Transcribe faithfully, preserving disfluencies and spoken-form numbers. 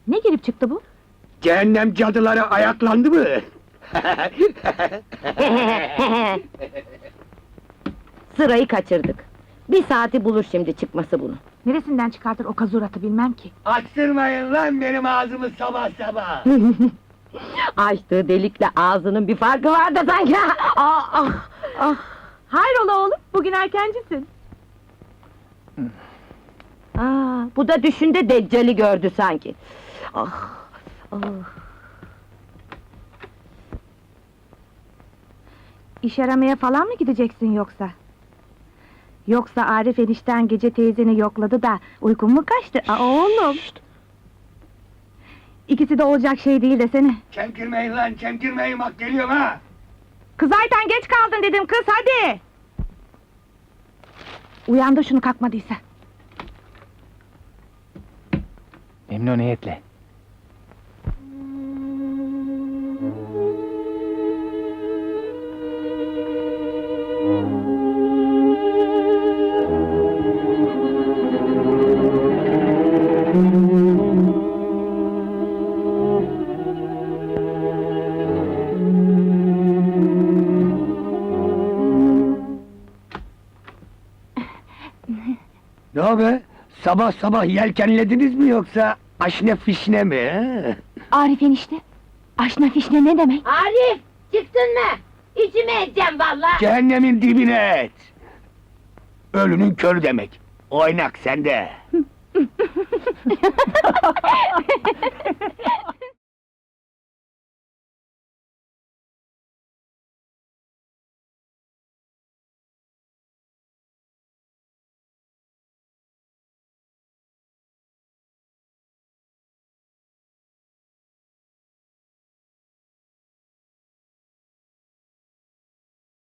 Ne girip çıktı bu? Cehennem cadıları ayaklandı mı? Sırayı kaçırdık. Bir saati bulur şimdi çıkması bunu. Neresinden çıkartır o kazuratı bilmem ki. Açtırmayın lan benim ağzımı sabah sabah! Açtığı delikle ağzının bir farkı var da sanki. Ah, ah, ah. Hayrola oğlum, bugün erkencisin. Aa, bu da düşünde Deccal'i gördü sanki. Ah, ah. İş aramaya falan mı gideceksin yoksa? Yoksa Arif enişten gece teyzeni yokladı da uykun mu kaçtı? Aa, oğlum! İkisi de olacak şey değil desene. Çemkirmeyin lan, çemkirmeyin bak geliyorum ha! Kız Ayten geç kaldın dedim kız, hadi! Uyandı şunu kalkmadıysa. Memnuniyetle. Ne o be? Sabah sabah yelkenlediniz mi yoksa aşne fişne mi? He? Arif enişte, aşna fişne ne demek? Arif, çıktın mı? İçime edeceğim vallahi. Cehennemin dibine et! Ölünün körü demek. Oynak sende!